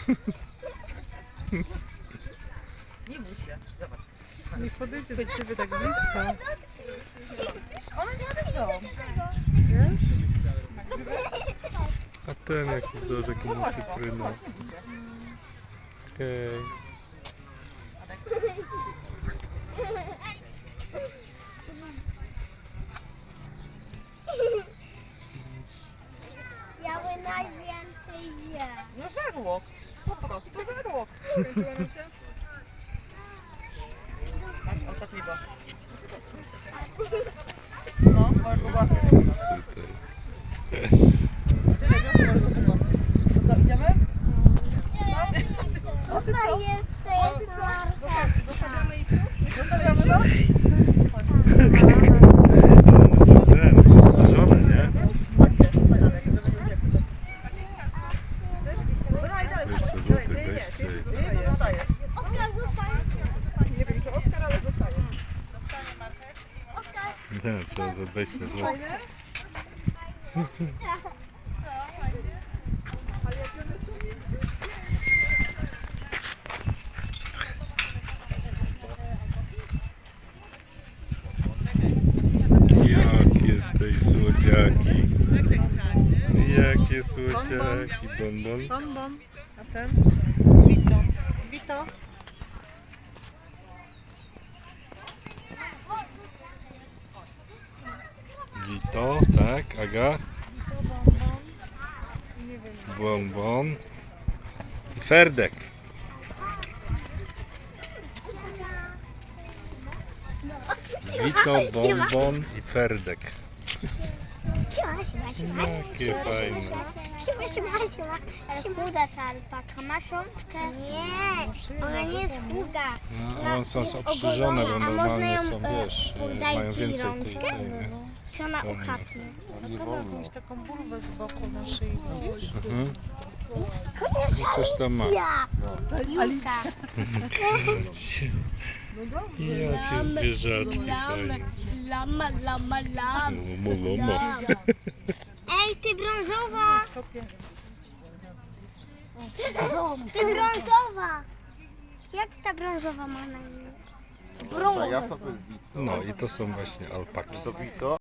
Nie bój się, zobacz. Nie podejdzie do ciebie tak blisko. Widzisz, one nie widzą. A ten jaki wzorek mu przypłynął. Okej. Ja bym najwięcej wie. No żarłok, po prostu żarłok. Patrz, ostatniego. No, bardzo ładnie. Super. Tyle wziął, bardzo pomocny. To co, idziemy? Tutaj jesteś marka. Zostawiamy ich tu? Zostawiamy was? One są ten, zastrzeżone, nie? Chodźcie, chodź Adek, żeby nie uciekł. Dobra, idziemy. Weź se złoty, weź se. Ty to zostajesz. Oskar, zostań. Nie wiem, czy Oskar, ale zostaje. Oskar. Nie, trzeba weź se złoty. Fajne? Jakie tej słodziaki. Jakie słodziaki. Bonbon. Bonbon. A ten? Wito. Wito. Gito, tak, Aga. Bonbon. I Ferdek. Wito, bonbon i Ferdek. Siema, siema, siema. Jakie fajne. Siema, siema, siema. Chuda ta alpaka. Masz rączkę? Nie, ona nie jest chuda. No, one są oprzyżone, bo A można normalnie ją, są, wiesz, daj mają ci więcej tej, rączkę? nie? Czy ona ukapnie? Nie wolno. Jakąś taką bulwę z boku na szyi. Mhm. I coś tam ma. Ja. To jest Julka. Jakie zwierzaczki fajne. Lama, lama, lama. Loma. Ej, ty brązowa! Ty brązowa! Jak ta brązowa ma na imię? Ta jasna to jest Vito. No i to są właśnie alpaki. To Vito.